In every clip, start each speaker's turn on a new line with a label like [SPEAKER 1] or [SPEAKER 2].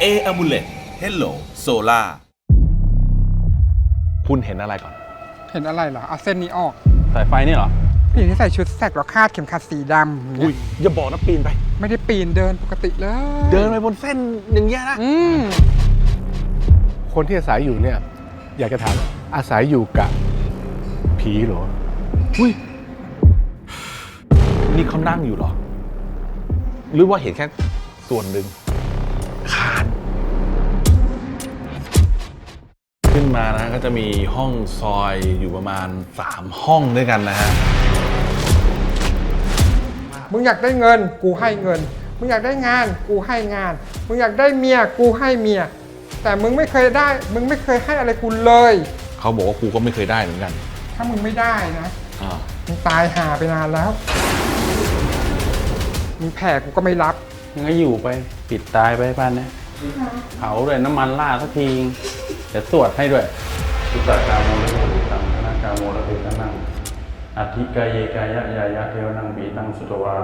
[SPEAKER 1] Amulet Hello Solar
[SPEAKER 2] คุณเห็นอะไรก่อน
[SPEAKER 3] เห็นอะไรเหรอเอาเส้นนี้ออก
[SPEAKER 2] สายไฟนี่เหรอ
[SPEAKER 3] ผู้หญิงที่ใส่ชุดแสกแล้วคาดเข็มขัดสีดำ
[SPEAKER 2] อุ้ยอย่าบอกนะปีนไป
[SPEAKER 3] ไม่ได้ปีนเดินปกติเลย
[SPEAKER 2] เดินไปบนเส้นอย่างเงี้ยนะ
[SPEAKER 4] คนที่อาศัยอยู่เนี่ยอยากจะถามอาศัยอยู่กับผีเหรอ
[SPEAKER 2] อุ้ยนี่เขานั่งอยู่เหรอ หรือว่าเห็นแค่ส่วนหนึ่งคานขึ้นมานะก็จะมีห้องซอยอยู่ประมาณ3ห้องด้วยกันนะฮะ
[SPEAKER 3] มึงอยากได้เงินกูให้เงิน มึงอยากได้งานกูให้งาน มึงอยากได้เมียกูให้เมีย แต่มึงไม่เคยได้ มึงไม่เคยให้อะไรกูเลย
[SPEAKER 2] เขาบอกว่ากูก็ไม่เคยได้เหมือนกัน
[SPEAKER 3] ถ้ามึงไม่ได้นะ
[SPEAKER 2] อ่า
[SPEAKER 3] มึงตายห่าไปนานแล้ว มึงแผ่กูก็ไม่รับ
[SPEAKER 5] ยังไงอยู่ไปปิดตายไปบ้านนะเผาด้วยน้ำมันราดสักทีเดี๋ยวสวดให้ด้วยทุตตากาโมละโมติตังคณะกาโมละเทตังอธิกายเยกายะยายะเทวนังบีตังสุตวา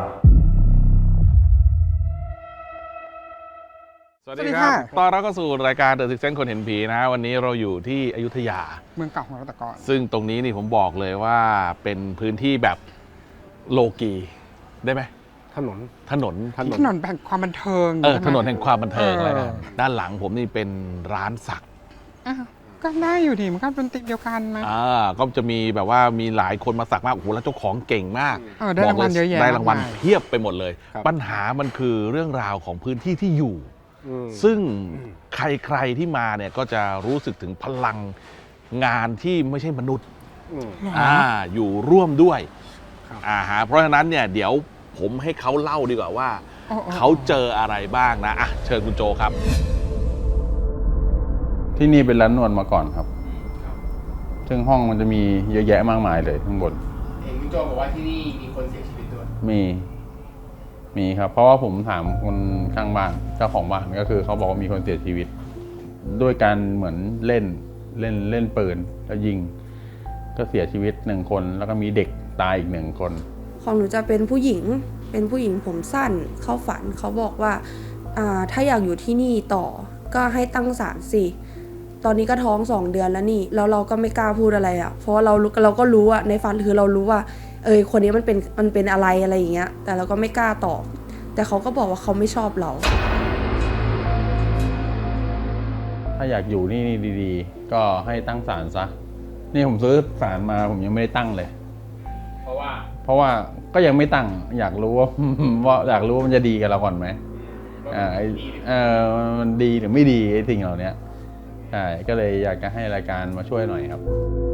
[SPEAKER 2] สวัสดีครับ ตอนเราก็สู่รายการ The Sixth Sense คนเห็นผีนะวันนี้เราอยู่ที่อยุธยา
[SPEAKER 3] เมืองเก่าของเราแต่ก่อน
[SPEAKER 2] ซึ่งตรงนี้นี่ผมบอกเลยว่าเป็นพื้นที่แบบโลกีได้ไหม
[SPEAKER 4] ถนน
[SPEAKER 2] ถนน
[SPEAKER 3] ถนนแห่งความบันเทิง
[SPEAKER 2] ถ
[SPEAKER 3] ใช่ไหม
[SPEAKER 2] นนแห่งความบันเทิงเลยนะ
[SPEAKER 3] เออ
[SPEAKER 2] ด้านหลังผมนี่เป็นร้านสัก
[SPEAKER 3] อ้าวก็ได้อยู่ดีมันก็เป็นติดเดียวกันนะ
[SPEAKER 2] ก็จะมีแบบว่ามีหลายคนมาสักมากโอ้โหแล้วเจ้าของเก่งมาก
[SPEAKER 3] ได้รางวัลเยอะแยะ
[SPEAKER 2] ได้รางวัล
[SPEAKER 3] มากมาย
[SPEAKER 2] เพียบไปหมดเลย
[SPEAKER 4] ครับ
[SPEAKER 2] ปัญหามันคือเรื่องราวของพื้นที่ที่อยู่
[SPEAKER 4] อืม
[SPEAKER 2] ซึ่งใครๆที่มาเนี่ยก็จะรู้สึกถึงพลังงานที่ไม่ใช่มนุษย์
[SPEAKER 4] อืม
[SPEAKER 2] อยู่ร่วมด้วย
[SPEAKER 4] ครับ
[SPEAKER 2] เพราะฉะนั้นเนี่ยเดี๋ยวผมให้เขาเล่าดีกว่าว่า เขาเจออะไรบ้างนะเชิญคุณโจครับ
[SPEAKER 5] ที่นี่เป็นร้านนวดมาก่อนครับ ซึ่งห้องมันจะมีเยอะแยะมากมายเลยข้างบน
[SPEAKER 6] เห็นคุณโจบอกว่าที่นี่มีคนเสียชีวิตด้วย
[SPEAKER 5] มีครับ เพราะว่าผมถามคนข้างบ้านเจ้าของบ้านก็คือเขาบอกว่ามีคนเสียชีวิต ด้วยการเหมือนเล่นปืนแล้วยิง ก็เสียชีวิต1คนแล้วก็มีเด็กตายอีก1คน
[SPEAKER 7] ของหนูจะเป็นผู้หญิงผมสั้นเข้าฝันเขาบอกว่าถ้าอยากอยู่ที่นี่ต่อก็ให้ตั้งศาลสิตอนนี้ก็ท้อง2 เดือนแล้วนี่แล้วเราก็ไม่กล้าพูดอะไรอ่ะเพราะว่าเราก็รู้อ่ะในฝันคือเรารู้ว่าคนนี้มันเป็นอะไรอย่างเงี้ยแต่เราก็ไม่กล้าตอบแต่เขาก็บอกว่าเขาไม่ชอบเรา
[SPEAKER 5] ถ้าอยากอยู่นี่ดีๆ ก็ให้ตั้งศาลซะ นี่ผมซื้อศาลมาผมยังไม่ได้ตั้งเลย เพราะว่าก็ยังไม่ตั้งอยากรู้ว่า ว่าอยากรู้ว่ามันจะดีกับเราก่อนไหมมันดีหรือไม่ดีไอ้สิ่งเหล่านี้ใช่ก็เลยอยากจะให้รายการมาช่วยหน่อยครับ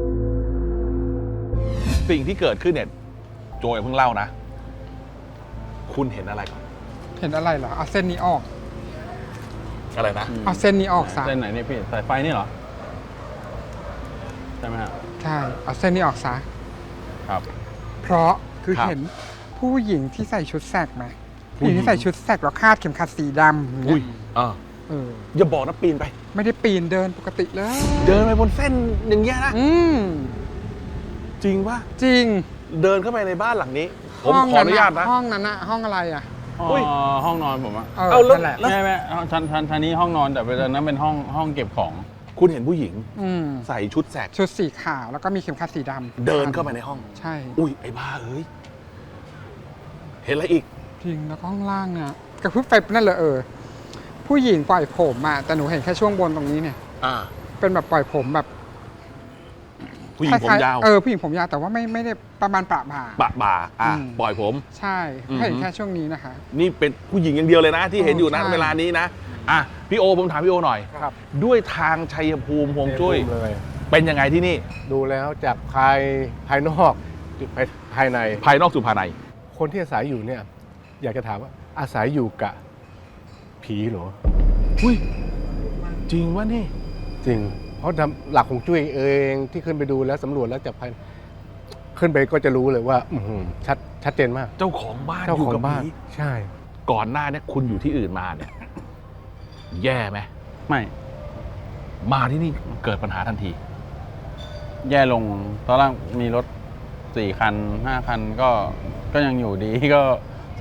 [SPEAKER 2] สิ่งที่เกิดขึ้นเนี่ยโจอย่าเพิ่งเล่านะ คุณเห็นอะไรก่อน
[SPEAKER 3] เห็นอะไรเหรอเอาเส้นนี้ออก
[SPEAKER 2] อะไรนะ
[SPEAKER 3] เอาเส้นนี้ออกซะ
[SPEAKER 5] เส้นไหนเนี่ยพี่สายไฟนี่เหรอ ใช่ไหมฮะ
[SPEAKER 3] ใช่เอาเส้นนี้ออกซะ
[SPEAKER 5] ครับ
[SPEAKER 3] เพราะคือ
[SPEAKER 2] ครับ
[SPEAKER 3] เห็นผู้หญิงที่ใส่ชุดแสกไหม
[SPEAKER 2] ผู้
[SPEAKER 3] ผู้ห
[SPEAKER 2] หญิง
[SPEAKER 3] ญิงที่ใส่ชุดแสกแล้วคาดเข็มขัดสีดำอย่างเงี้
[SPEAKER 2] อุ้ย
[SPEAKER 3] ย เออ
[SPEAKER 2] อย่าบอกนะปีนไป
[SPEAKER 3] ไม่ได้ปีนเดินปกติเลย
[SPEAKER 2] เดินไปบนเส้นอย่างเงี้ยนะ
[SPEAKER 3] อืม
[SPEAKER 2] จริงป่ะ
[SPEAKER 3] จริง
[SPEAKER 2] เดินเข้าไปในบ้านหลังนี้ ผมขออนุญาตนะ
[SPEAKER 3] ห้องนั้นอะห้องอะไรอะ
[SPEAKER 2] อุ้ย
[SPEAKER 5] ห้องนอนผมอะ
[SPEAKER 2] เอาแล้ว
[SPEAKER 3] นั่นแหละ
[SPEAKER 5] ไม่ไม่ชั้นนี้ห้องนอนแต่เป็นนั้นเป็นห้องเก็บของ
[SPEAKER 2] คุณเห็นผู้หญิง
[SPEAKER 3] อืม
[SPEAKER 2] ใส่ชุดแสก
[SPEAKER 3] ชุดสีขาวแล้วก็มีเข็มขัดสีดำ
[SPEAKER 2] เดินเข้าไปในห้อง
[SPEAKER 3] ใช่
[SPEAKER 2] อุ้ยไอ้บ้าเอ้ย เห็นอะไรอีก
[SPEAKER 3] จริงแล้วก็ห้องล่างเนี่ยกระพริบไฟนั่นเลยผู้หญิงปล่อยผมอะแต่หนูเห็นแค่ช่วงบนตรงนี้เนี่ย เป็นแบบปล่อยผมแบบ
[SPEAKER 2] ผู้หญิงผมยาว
[SPEAKER 3] ผู้หญิงผมยาวแต่ว่าไม่ได้ประมาณประบ่า
[SPEAKER 2] ปะบ่าปล่อยผม
[SPEAKER 3] ใช่
[SPEAKER 2] อือหือ
[SPEAKER 3] เห็นแค่ช่วงนี้นะคะ
[SPEAKER 2] นี่เป็นผู้หญิงอย่างเดียวเลยนะ ที่เห็นอยู่นะ
[SPEAKER 3] ใช่
[SPEAKER 2] เวลานี้นะพี่โอผมถามพี่โอหน่อย
[SPEAKER 4] ครับ
[SPEAKER 2] ด้วยทางชัยภูมิฮวงจุ้ย
[SPEAKER 4] เลย
[SPEAKER 2] เป็นยังไงที่นี่
[SPEAKER 4] ดูแล้วจากภายนอกภายใน
[SPEAKER 2] ภายนอกสู่ภายใน
[SPEAKER 4] คนที่อาศัยอยู่เนี่ยอยากจะถามว่าอาศัยอยู่กับผีเหรอ
[SPEAKER 2] อุ้ยจริงวะนี่
[SPEAKER 4] จริง เพราะหลักของจุ้ยเองที่ขึ้นไปดูแล้วสำรวจแล้วจากภายขึ้นไปก็จะรู้เลยว่าชัดเจนมาก
[SPEAKER 2] เจ้าของบ้าน
[SPEAKER 4] เจ้า
[SPEAKER 2] อยู่
[SPEAKER 4] ของ
[SPEAKER 2] กับ
[SPEAKER 4] บ้าน
[SPEAKER 2] ผี
[SPEAKER 4] ใช่
[SPEAKER 2] ก่อนหน้าเนี่ยคุณอยู่ที่อื่นมาเนี่ย แย่ไหม
[SPEAKER 5] ไม่
[SPEAKER 2] มาที่นี่เกิดปัญหาทันที
[SPEAKER 5] แย่ลงตอนแรกมีรถ4 คัน 5 คันก็ยังอยู่ดี ก็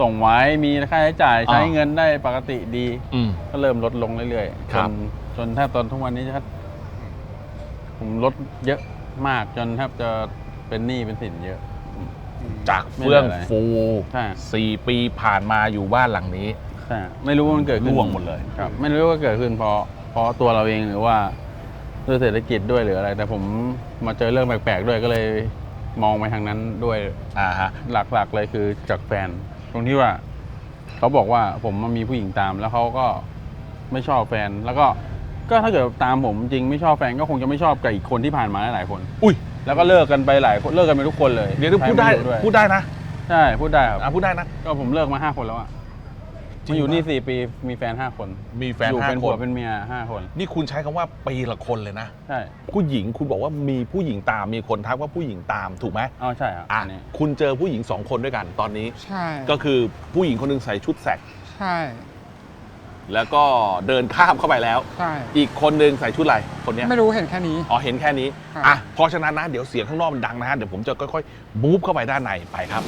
[SPEAKER 5] ส่งไว้มีค่าใช้จ่าย
[SPEAKER 2] อ่า
[SPEAKER 5] ใช้เงินได้ปกติดี
[SPEAKER 2] อืม
[SPEAKER 5] ก็เริ่มลดลงเรื่อยๆ
[SPEAKER 2] ครับ
[SPEAKER 5] จนแทบตอนทุกวันนี้ผมลดเยอะมากจนแทบจะเป็นหนี้เป็นสินเยอะ
[SPEAKER 2] จากเฟื่องฟู
[SPEAKER 5] ใช่
[SPEAKER 2] 4 ปีผ่านมาอยู่บ้านหลังนี้
[SPEAKER 5] ใช่ไม่รู้ว่ามันเกิดขึ้น
[SPEAKER 2] ร่วงหมดเลย
[SPEAKER 5] ครับ ไม่รู้ว่าเกิดขึ้นเพราะตัวเราเองหรือว่าด้วยเศรษฐกิจด้วยหรืออะไร แต่ผมมาเจอเรื่องแปลกๆด้วยก็เลยมองไปทางนั้นด้วย
[SPEAKER 2] ฮะ
[SPEAKER 5] หลักๆเลยคือจากแฟน ตรงที่ว่าเขาบอกว่าผมมามีผู้หญิงตามแล้วเขาก็ไม่ชอบแฟน แล้วก็ถ้าเกิดตามผมจริงไม่ชอบแฟนก็คงจะไม่ชอบกับอีกคนที่ผ่านมาหลายคน
[SPEAKER 2] อุ้ย
[SPEAKER 5] แล้วก็เลิกกันไปหลายคนเลิกกันไปทุกคนเลย
[SPEAKER 2] เดี๋ยวพูดได้
[SPEAKER 5] ใครม่รู้วย
[SPEAKER 2] พูดได้นะ
[SPEAKER 5] ใช่พูดได้ครับ
[SPEAKER 2] พูดได้นะ
[SPEAKER 5] ก็ผมเลิกมา5 คนแล้วอะ
[SPEAKER 2] จริง
[SPEAKER 5] มาอยู่นี่
[SPEAKER 2] ปะ
[SPEAKER 5] 4 ปีมีแฟน5 คน
[SPEAKER 2] มีแฟน
[SPEAKER 5] อยู่เป็น
[SPEAKER 2] 5
[SPEAKER 5] ผั
[SPEAKER 2] ค
[SPEAKER 5] วน เป็นเมีย5 คน
[SPEAKER 2] นี่คุณใช้คำว่าปีละคนเลยนะ
[SPEAKER 5] ใช่
[SPEAKER 2] ผู้หญิงคุณบอกว่ามีผู้หญิงตามมีคนทักว่าผู้หญิงตามถูกไหม
[SPEAKER 5] อ๋อใช่ครับ
[SPEAKER 2] อ่ะ
[SPEAKER 5] อันนี้
[SPEAKER 2] คุณเจอผู้หญิง2 คนด้วยกันตอนนี้
[SPEAKER 3] ใช่
[SPEAKER 2] ก็คือผู้หญิงคนหนึงใส่ชุดแสก
[SPEAKER 3] ใช่
[SPEAKER 2] แล้วก็เดินข้ามเข้าไปแล้ว
[SPEAKER 3] ใช่
[SPEAKER 2] อีกคนหนึงใส่ชุดอะไรคนเนี้ย
[SPEAKER 3] ไม่รู้เห็นแค่นี้
[SPEAKER 2] อ๋อเห็นแค่นี้
[SPEAKER 3] ครับ
[SPEAKER 2] อ่ะเพราะฉะนั้นนะเดี๋ยวเสียงข้างนอกมันดังนะฮะเดี๋ยวผมจะค่อยๆมูฟเข้าไปด้านในไปครับ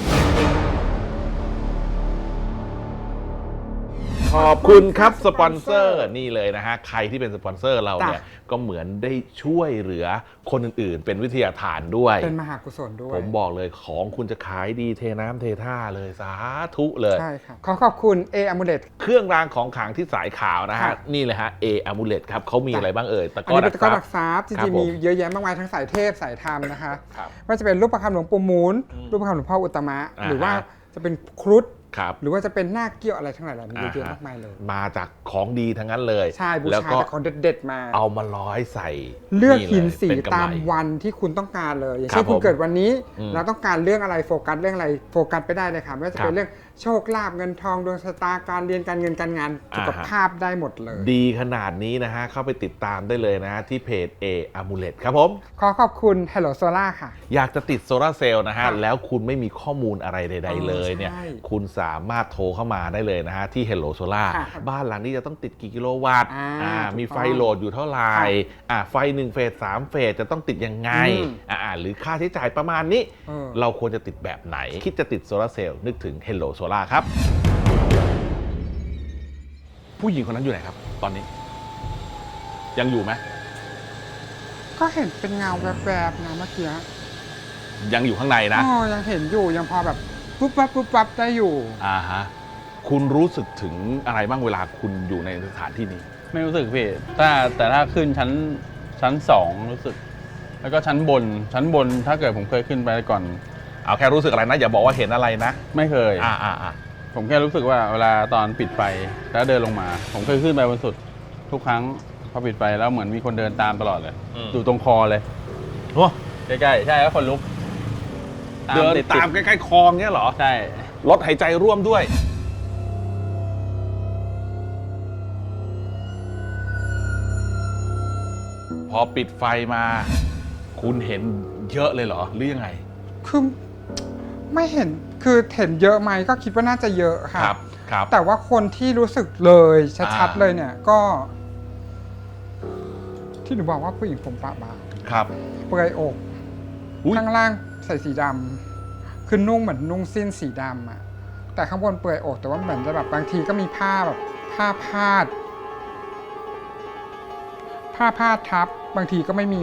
[SPEAKER 2] ขอบคุณครับสปอนเซอร์นี่เลยนะฮะใครที่เป็นสปอนเซอร์เราเนี่ยก็เหมือนได้ช่วยเหลือคนอื่นๆ เป็นวิทยาทานด้วย
[SPEAKER 3] เป็นมหากุศลด้วย
[SPEAKER 2] ผมบอกเลยของคุณจะขายดีเทน้ำเทท่าเลยสาธุเลย
[SPEAKER 3] ใช่ครับขอขอบคุณเออมูเลต
[SPEAKER 2] เครื่องรางของขลังที่สายขาวนะ
[SPEAKER 3] ครั
[SPEAKER 2] ฮะ
[SPEAKER 3] บ
[SPEAKER 2] นี่เลยฮะเออมูเลตครับเขามีอะไรบ้างเอ่ยตะ
[SPEAKER 3] อั
[SPEAKER 2] ก
[SPEAKER 3] น
[SPEAKER 2] ร้อ
[SPEAKER 3] นี้เป็นตะกร้อ
[SPEAKER 2] ดั
[SPEAKER 3] ดั
[SPEAKER 2] ก
[SPEAKER 3] ก
[SPEAKER 2] ซับ
[SPEAKER 3] ซับจ
[SPEAKER 2] ครับ
[SPEAKER 3] ริง
[SPEAKER 2] ผ
[SPEAKER 3] ๆ
[SPEAKER 2] ม
[SPEAKER 3] มีเยอะแยะมากมายทั้งสายเทพสายธรรมนะคะ
[SPEAKER 2] ครับ
[SPEAKER 3] ว่าจะเป็นรูปประคำหลวงปู่หมุน รูปประคำหลวงพ่ออุตตมะ
[SPEAKER 2] อ่าฮะ
[SPEAKER 3] หรือว่าจะเป็นครุฑ
[SPEAKER 2] ครับ
[SPEAKER 3] หรือว่าจะเป็นหน้าเกี้ยวอะไรทั้งหลายเหล่านี้เยอะๆมากมายเลย
[SPEAKER 2] มาจากของดีทั้งนั้นเลย
[SPEAKER 3] ใช่บู
[SPEAKER 2] แล้ว
[SPEAKER 3] ชา
[SPEAKER 2] ก็
[SPEAKER 3] แต่ของเด็ดๆมา
[SPEAKER 2] เอามาร้อยใส่
[SPEAKER 3] เลือกหินสี
[SPEAKER 2] เป็นกำไร
[SPEAKER 3] ตามวันที่คุณต้องการเลย อย่าง
[SPEAKER 2] ครั
[SPEAKER 3] เช่
[SPEAKER 2] บ
[SPEAKER 3] นคุณเกิดวันนี้
[SPEAKER 2] อืม
[SPEAKER 3] เราต้องการเรื่องอะไรโฟกัสเรื่องอะไรโฟกัสไปได้เลยค่ะไม่ว่าจะ
[SPEAKER 2] คน รับ
[SPEAKER 3] เป็เรื่องโชคลาภเงินทองดวงชะตาการเรียนการเงินการงานสุขภาพได้หมดเลย
[SPEAKER 2] ดีขนาดนี้นะฮะเข้าไปติดตามได้เลยนะฮะที่เพจ A Amulet ครับผม
[SPEAKER 3] ขอขอบคุณ Hello Solar ค่ะ
[SPEAKER 2] อยากจะติดโซลาร์เซลล์นะฮะ
[SPEAKER 3] ครับ
[SPEAKER 2] แล้วคุณไม่มีข้อมูลอะไรใด ๆ เลยเนี่ย
[SPEAKER 3] ใช่
[SPEAKER 2] คุณสามารถโทรเข้ามาได้เลยนะฮะ ที่ Hello Solar
[SPEAKER 3] ค่ะ
[SPEAKER 2] บ้านหลังนี้จะต้องติดกี่กิโลวัตต์
[SPEAKER 3] ถูก
[SPEAKER 2] มีไฟ
[SPEAKER 3] ต้อง
[SPEAKER 2] โหลดอยู่เท่าไหร่
[SPEAKER 3] ค่ะ
[SPEAKER 2] ไฟ1 เฟส 3 เฟสจะต้องติดยังไง
[SPEAKER 3] อืม
[SPEAKER 2] หรือค่าใช้จ่ายประมาณนี้
[SPEAKER 3] เออ
[SPEAKER 2] เราควรจะติดแบบไหน คิดจะติดโซลาร์เซลล์นึกถึง Hello Solar ครับ ผู้หญิงคนนั้นอยู่ไหนครับ ตอนนี้ ยังอยู่ไหม
[SPEAKER 3] ก็เห็นเป็นเงาแวบๆนะเมื่อกี้
[SPEAKER 2] ยังอยู่ข้างในนะ
[SPEAKER 3] อ๋อยังเห็นอยู่ยังพอแบบปุ๊บปั๊บปุ๊บปั๊บได้อยู่
[SPEAKER 2] ฮะคุณรู้สึกถึงอะไรบ้างเวลาคุณอยู่ในสถานที่นี้
[SPEAKER 5] ไม่รู้สึกพี่แต่ถ้าขึ้นชั้น2รู้สึก แล้วก็ชั้นบนถ้าเกิดผมเคยขึ้นไปก่อน
[SPEAKER 2] เอาแค่รู้สึกอะไรนะ อย่าบอกว่าเห็นอะไรนะ
[SPEAKER 5] ไม่เคย
[SPEAKER 2] อ่า
[SPEAKER 5] ผมแค่รู้สึกว่าเวลาตอนปิดไฟแล้วเดินลงมา ผมเคยขึ้นไปบนสุดทุกครั้งพอปิดไฟแล้วเหมือนมีคนเดินตามตลอดเลย อยู่ตรงคอเลย
[SPEAKER 2] โอ้
[SPEAKER 5] ใกล้ๆใช่แล้วคนลุก
[SPEAKER 2] เดิน
[SPEAKER 5] ติดๆ
[SPEAKER 2] ตามใกล้ๆคลองเนี้ยเหรอ
[SPEAKER 5] ใช่
[SPEAKER 2] ลดหายใจร่วมด้วย พอปิดไฟมา คุณเห็นเยอะเลยเหรอ หรือยังไง
[SPEAKER 3] คือไม่เห็นคือเห็นเยอะไหมก็คิดว่าน่าจะเยอะค่ะ
[SPEAKER 2] ครับ
[SPEAKER 3] แต่ว่าคนที่รู้สึกเลยชัดๆ
[SPEAKER 2] อ่า
[SPEAKER 3] เลยเนี่ยก็ ที่หนูบอกว่าผู้หญิงผมปะบาง
[SPEAKER 2] ครับ
[SPEAKER 3] เปลือยอก
[SPEAKER 2] อุ๊ย
[SPEAKER 3] ข้างล่างใส่สีดำคือนุ่งเหมือนนุ่งสิ้นสีดำอะแต่ข้างบนเปลือยอกแต่ว่าเหมือนจะแบบบางทีก็มีผ้าแบบผ้าพาดทับบางทีก็ไม่มี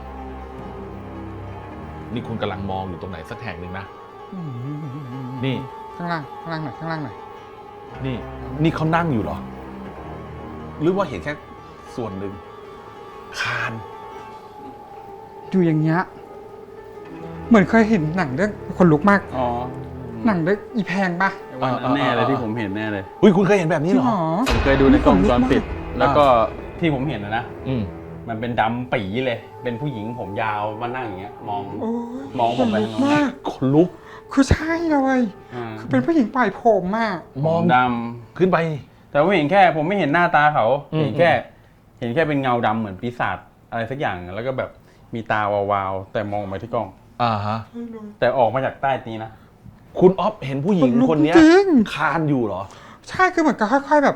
[SPEAKER 2] นี่คุณกำลังมองอยู่ตรงไหนสักแห่งหนึ่งนะ นี่
[SPEAKER 3] ข้างล่างหน่อยข้างล่างหน่อย
[SPEAKER 2] นี่เขานั่งอยู่เหรอ หรือว่าเห็นแค่ส่วนหนึ่งคาน
[SPEAKER 3] อยู่อย่างเงี้ยเหมือนเคยเห็นหนังเรื่องคนลุกมาก
[SPEAKER 5] อ๋อ
[SPEAKER 3] หนังเรื่องอีแพงปะ
[SPEAKER 5] วันนั้นแน่เลยที่ผมเห็นแน่เลย
[SPEAKER 2] อุ้ยคุณเคยเห็นแบบนี้เหรอ
[SPEAKER 5] ผมเคยดูในกล้องวงจรปิด แล้วก็ที่ผมเห็นนะ
[SPEAKER 2] อืม
[SPEAKER 5] มันเป็นดำปีเลย เป็นผู้หญิงผมยาวมานั่งอย่างเงี้ย มอง
[SPEAKER 3] โอ้ย
[SPEAKER 5] มองผมไป
[SPEAKER 3] ขนลุก
[SPEAKER 5] ทางโน้น
[SPEAKER 3] มาก
[SPEAKER 2] คนลุก
[SPEAKER 3] คือใช่เลย
[SPEAKER 5] อ่า
[SPEAKER 3] คือเป็นผู้หญิงปล่อยผมมาก
[SPEAKER 2] มอง
[SPEAKER 5] ด
[SPEAKER 2] ขึ้นไป
[SPEAKER 5] ำแต่ผมเห็นแค่ ผมไม่เห็นหน้าตาเขา
[SPEAKER 2] อืม
[SPEAKER 5] เห็นแค่เป็นเงาดำเหมือนปีศาจอะไรสักอย่าง แล้วก็แบบมีตาวาวๆแต่มองไปที่กล้อง
[SPEAKER 2] ฮะ
[SPEAKER 5] แต่ออกมาจากใต้นี้นะ
[SPEAKER 2] คุณอ๊อฟเห็นผู้หญิง
[SPEAKER 3] ขนลุก
[SPEAKER 2] คนเนี้ย
[SPEAKER 3] จริง
[SPEAKER 2] คานอยู่เหรอ
[SPEAKER 3] ใช่คือเหมือนกับค่อยๆแบบ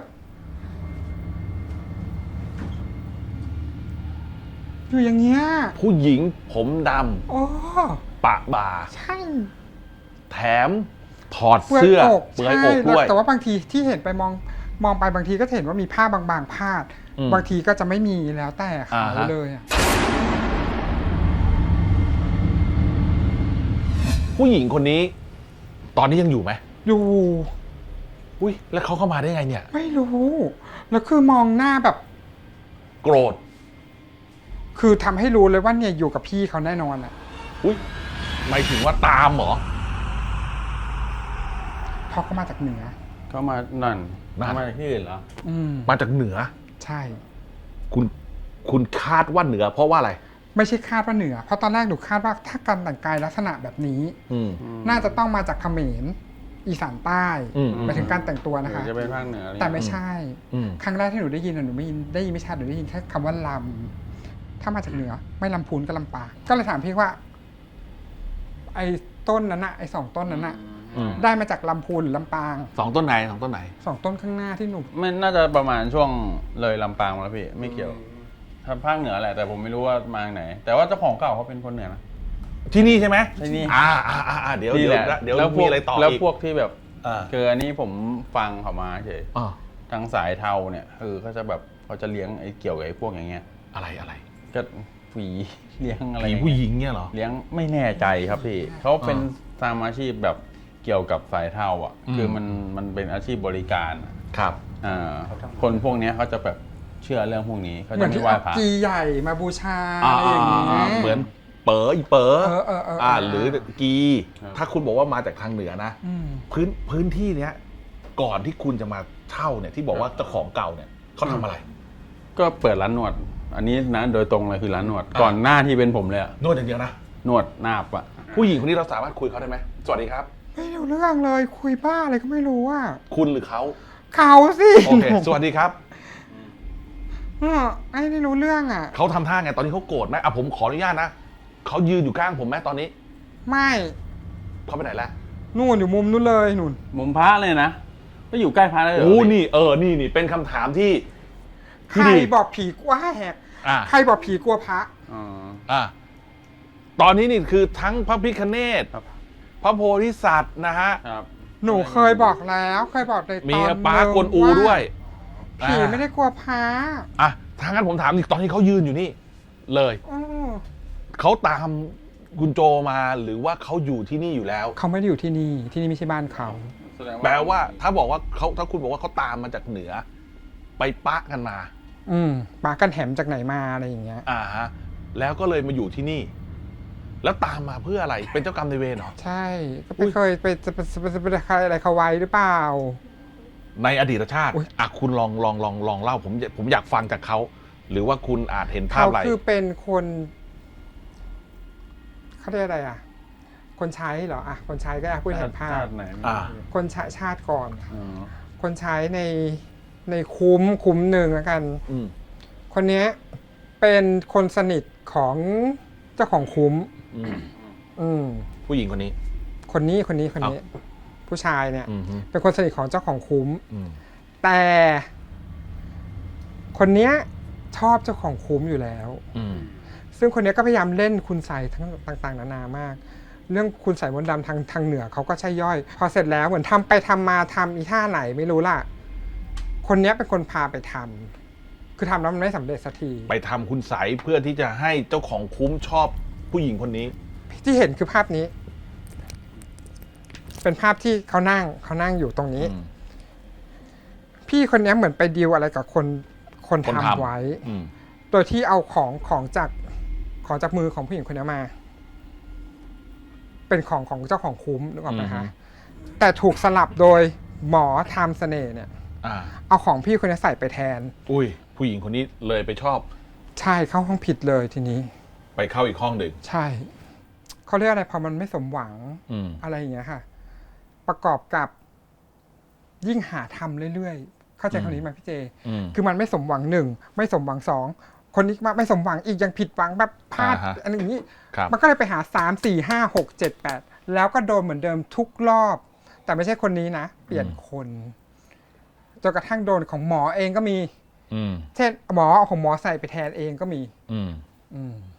[SPEAKER 3] อยู่อย่างเงี้ย
[SPEAKER 2] ผู้หญิงผมด
[SPEAKER 3] โอ้
[SPEAKER 2] ำปะบ่า
[SPEAKER 3] ใช่
[SPEAKER 2] แถมถอดเสื้อเปลือย
[SPEAKER 3] ใช่
[SPEAKER 2] อกด้วย
[SPEAKER 3] แต่ว่าบางทีที่เห็นไปมองไปบางทีก็จะเห็นว่ามีผ้าบางๆพาด
[SPEAKER 2] อืม
[SPEAKER 3] บางทีก็จะไม่มีแล้วแต่เขา
[SPEAKER 2] อ่าฮะ
[SPEAKER 3] เลยอะ
[SPEAKER 2] ผู้หญิงคนนี้ ตอนนี้ยังอยู่ไหม
[SPEAKER 3] อยู่
[SPEAKER 2] อุ้ยแล้วเขาเข้ามาได้ไงเนี่ย
[SPEAKER 3] ไม่รู้แล้วคือมองหน้าแบบ
[SPEAKER 2] โกรธ
[SPEAKER 3] คือทำให้รู้เลยว่าเนี่ยอยู่กับพี่เขาแน่นอนอะ
[SPEAKER 2] อุ้ยหมายถึงว่าตามเหรอ
[SPEAKER 3] เพราะเขามาจากเหนือ
[SPEAKER 5] เขามานั่น
[SPEAKER 2] นั่น
[SPEAKER 5] เขามาจากที่อื่นเหรอ
[SPEAKER 3] อืม
[SPEAKER 2] มาจากเหนือ
[SPEAKER 3] ใช่
[SPEAKER 2] คุณคาดว่าเหนือ เพราะว่าอะไร
[SPEAKER 3] ไม่ใช่คาดว่าเหนือ เพราะตอนแรกหนูคาดว่าถ้าการแต่งกายลักษณะแบบนี้
[SPEAKER 2] อืม
[SPEAKER 3] น่าจะต้องมาจากเขมรอีสานใต้
[SPEAKER 2] อืม
[SPEAKER 3] หมายถึงการแต่งตัวนะคะ
[SPEAKER 5] จะเป็นภาคเหนืออะไร
[SPEAKER 3] แต่ไม่ใช่
[SPEAKER 2] อืม
[SPEAKER 3] ครั้งแรกที่หนูได้ยินหนูได้ยินไม่ชัดหนูได้ยินแค่คำว่าลำถ้ามาจากเหนือ ไม่ลำพูนก็ลำปางก็เลยถามพี่ว่า ไอ้ต้นนั้นน่ะไอ้2 ต้นนั้นน่ะ
[SPEAKER 2] อืม
[SPEAKER 3] ได้มาจากลำพูนหรือลำปาง
[SPEAKER 2] สองต้นไหนสองต้นไหน
[SPEAKER 3] 2 ต้นข้างหน้าที่หนู
[SPEAKER 5] ไม่น่าจะประมาณช่วงเลยลำปางมาแล้วพี่ไม่เกี่ยวทางภาคเหนือแหละแต่ผมไม่รู้ว่ามาจากไหน แต่ว่าเจ้าของเก่าเขาเป็นคนเหนือนะ
[SPEAKER 2] ที่นี่ใช่ไหม
[SPEAKER 5] ที่นี่
[SPEAKER 2] เดี๋ยว
[SPEAKER 5] นี่
[SPEAKER 2] เดี๋ยว
[SPEAKER 5] แหละ
[SPEAKER 2] เดี๋ยว
[SPEAKER 5] แล้วพ
[SPEAKER 2] มี
[SPEAKER 5] วก
[SPEAKER 2] อะไรต่อ
[SPEAKER 5] แล้ว
[SPEAKER 2] อีก
[SPEAKER 5] พวกที่แบบ
[SPEAKER 2] อ่า
[SPEAKER 5] คืออันนี้ผมฟังเขามาเฉย
[SPEAKER 2] อ่า
[SPEAKER 5] ทางสายเทาเนี่ยคือเขาจะแบบเขาจะเลี้ยงไอ้เกี่ยวกับไอ้พวกอย่างเงี้ย
[SPEAKER 2] อะไร
[SPEAKER 5] ก็ผีเลี้ยงอะไร
[SPEAKER 2] ผี
[SPEAKER 5] อย่าง
[SPEAKER 2] ผู้
[SPEAKER 5] เงี้ย
[SPEAKER 2] หญิงเนี่ยเหรอ
[SPEAKER 5] เลี้ยงไม่แน่ใจครับพี่เขาเป็นตามอาชีพแบบเกี่ยวกับสายเทาอ่ะ
[SPEAKER 2] อืม
[SPEAKER 5] คือมันเป็นอาชีพบริการอะ
[SPEAKER 2] ครับ
[SPEAKER 5] คนพวกเนี้ยเขาจะแบบเชื่อเรื่องพวกนี้เขา
[SPEAKER 3] เหมื
[SPEAKER 5] จะ
[SPEAKER 3] อน
[SPEAKER 5] ไม่
[SPEAKER 3] ที่
[SPEAKER 5] ไหว้
[SPEAKER 3] เอา
[SPEAKER 5] พระ
[SPEAKER 3] กีใหญ่มาบูชาอะไรอย่างเงี้ย
[SPEAKER 2] เหมือนเป๋ออีเป๋อ
[SPEAKER 3] เออ
[SPEAKER 2] หรือกี ถ้าคุณบอกว่ามาจากทางเหนือนะ
[SPEAKER 3] อืม
[SPEAKER 2] พื้นที่เนี้ย ก่อนที่คุณจะมาเช่าเนี่ยที่บอกว่าเจ้าของเก่าเนี่ยเขาทำอะไร
[SPEAKER 5] ก็เปิดร้านนวด อันนี้นะโดยตรงเลยคือร้านนวด ก่อนหน้าที่เป็นผมเลยอะ
[SPEAKER 2] นวดอย่างเดียวนะ
[SPEAKER 5] นวดนาบอะ
[SPEAKER 2] ผู้หญิงคนนี้เราสามารถคุยเขาได้ไหมสวัสดีครับ
[SPEAKER 3] ไม่รู้เรื่องเลยคุยบ้าอะไรก็ไม่รู้อ่ะ
[SPEAKER 2] คุณหรือเขา
[SPEAKER 3] เขาสิ
[SPEAKER 2] โอเค สวัสดีครับ
[SPEAKER 3] ไอ้ไม่รู้เรื่องอ่ะ
[SPEAKER 2] เขาทำท่าไงตอนนี้เขาโกรธไหมผมขออนุญาตนะเขายืนอยู่ข้างผมไหมตอนนี้
[SPEAKER 3] ไม่
[SPEAKER 2] เขาไปไหนแล้ว
[SPEAKER 3] นู่นอยู่มุมนู้นเลยนู่น
[SPEAKER 5] มุมพระเลยนะก็อยู่ใกล้พระเลยเหรอ
[SPEAKER 2] โอ้
[SPEAKER 5] พี่
[SPEAKER 3] ใค
[SPEAKER 2] นี่เป็นคำถามที่
[SPEAKER 3] ร
[SPEAKER 2] ดี
[SPEAKER 3] บอกผีกลัวแหก
[SPEAKER 2] อ่ะ
[SPEAKER 3] ใครบอกผีกลัวพระ
[SPEAKER 5] อ๋อ
[SPEAKER 2] อ่ะตอนนี้นี่คือทั้งพระพิฆเนศ
[SPEAKER 5] ครับ
[SPEAKER 2] พระโพธิสัตว์นะฮะ
[SPEAKER 5] ครับ
[SPEAKER 3] หนูเคยบอกแล้วเคยบอกในตอน
[SPEAKER 2] มีป้ากวนอูด้วย
[SPEAKER 3] ผีไม่ได้กลัวพระ
[SPEAKER 2] อ่ะถ้างั้นผมถามอีกตอนที่เขายืนอยู่นี่ เลย
[SPEAKER 3] อืม
[SPEAKER 2] เขาตามคุณโจมาหรือว่าเขาอยู่ที่นี่อยู่แล้ว
[SPEAKER 3] เขาไม่ได้อยู่ที่นี่ที่นี่ไม่ใช่บ้านเขา
[SPEAKER 5] แสดง
[SPEAKER 2] แปลว่าถ้าบอกว่าเขาถ้าคุณบอกว่าเขาตามมาจากเหนือ ไปปะกันมา
[SPEAKER 3] ปากันแหมจากไหนมาอะไรอย่างเงี้ย
[SPEAKER 2] ฮะแล้วก็เลยมาอยู่ที่นี่ แล้วตามมาเพื่ออะไรเป็นเจ้ากรรมนายเวรเหรอ
[SPEAKER 3] ใช่ก็ไปเคยไปจะไปใครอะไรเขาไว้หรือเปล่า
[SPEAKER 2] ในอดีตชาติ
[SPEAKER 3] อุ๊ย
[SPEAKER 2] คุณลองเล่าผมอยากฟังจากเขาหรือว่าคุณอาจเห็นภาพ
[SPEAKER 3] เขา
[SPEAKER 2] อะไร
[SPEAKER 3] คือเป็นคนเขาเรียกอะไรอ่ะ คนใช้เหรออ่ะคนใช้ก็พูดเห็นภา
[SPEAKER 5] ชา
[SPEAKER 3] พ
[SPEAKER 5] ติไหน
[SPEAKER 2] อ่า
[SPEAKER 3] คนใช้ชาติก่อน
[SPEAKER 5] อ๋อ
[SPEAKER 3] คนใช้ในคุ้มหนึ่งแล้วกัน
[SPEAKER 2] อืม
[SPEAKER 3] คนเนี้ยเป็นคนสนิทของเจ้าของคุ้ม
[SPEAKER 2] อืม
[SPEAKER 3] อืม
[SPEAKER 2] ผู้หญิงคนนี้
[SPEAKER 3] คนนี้ผู้ชายเนี่ย
[SPEAKER 2] อืมฮึ
[SPEAKER 3] เป็นคนสนิทของเจ้าของคุ้ม
[SPEAKER 2] อืม
[SPEAKER 3] แต่คนเนี้ยชอบเจ้าของคุ้มอยู่แล้ว
[SPEAKER 2] อืม
[SPEAKER 3] ซึ่งคนเนี้ยก็พยายามเล่นคุณใส่ทั้งต่างๆนานามาก เรื่องคุณใส่มนต์ดำทางเหนือเขาก็ใช่ย่อย พอเสร็จแล้วเหมือนทำไปทำมาทำอีท่าไหนไม่รู้ล่ะ คนเนี้ยเป็นคนพาไปทำคือทำแล้วมันไม่สำเร็จสักที
[SPEAKER 2] ไปทำคุณใสยเพื่อที่จะให้เจ้าของคุ้มชอบผู้หญิงคนนี้
[SPEAKER 3] ที่เห็นคือภาพนี้ เป็นภาพที่เขานั่งอยู่ตรงนี้
[SPEAKER 2] อืม
[SPEAKER 3] พี่คนเนี้ยเหมือนไปดีลอะไรกับคน
[SPEAKER 2] คนทำ
[SPEAKER 3] ทำไว้
[SPEAKER 2] อืม
[SPEAKER 3] โดยที่เอาของจากมือของผู้หญิงคนนี้มา เป็นของเจ้าของคุ้มนึกออกไหมคะแต่ถูกสลับโดยหมอทำเสน่ห์เนี่ย
[SPEAKER 2] อ่า
[SPEAKER 3] เอาของพี่คนนี้ใส่ไปแทน
[SPEAKER 2] อุ้ย ผู้หญิงคนนี้เลยไปชอบ
[SPEAKER 3] ใช่เข้าห้องผิดเลยทีนี้
[SPEAKER 2] ไปเข้าอีกห้องหนึ่ง
[SPEAKER 3] ใช่เขาเรียกอะไรพอมันไม่สมหวัง
[SPEAKER 2] อืม
[SPEAKER 3] อะไรอย่างเงี้ยค่ะ ประกอบกับยิ่งหาทำเรื่อยๆเข้าใจคำนี้ไหมพี่เจ
[SPEAKER 2] อืม
[SPEAKER 3] คือมันไม่สมหวังหนึ่งไม่สมหวังสองคนนี้มาไม่สมหวังอีกยังผิดหวังแบบพลาด
[SPEAKER 2] อ่าฮะ
[SPEAKER 3] อะไรอย่างนี้
[SPEAKER 2] ครับ
[SPEAKER 3] มันก็เลยไปหา3 4 5 6 7 8แล้วก็โดนเหมือนเดิมทุกรอบ แต่ไม่ใช่คนนี้นะเปลี่ยนคนจนกระทั่งโดนของหมอเองก็มี
[SPEAKER 2] อืม
[SPEAKER 3] เช่นหมอเอาของหมอใส่ไปแทนเองก็มี
[SPEAKER 2] อืม
[SPEAKER 3] อืม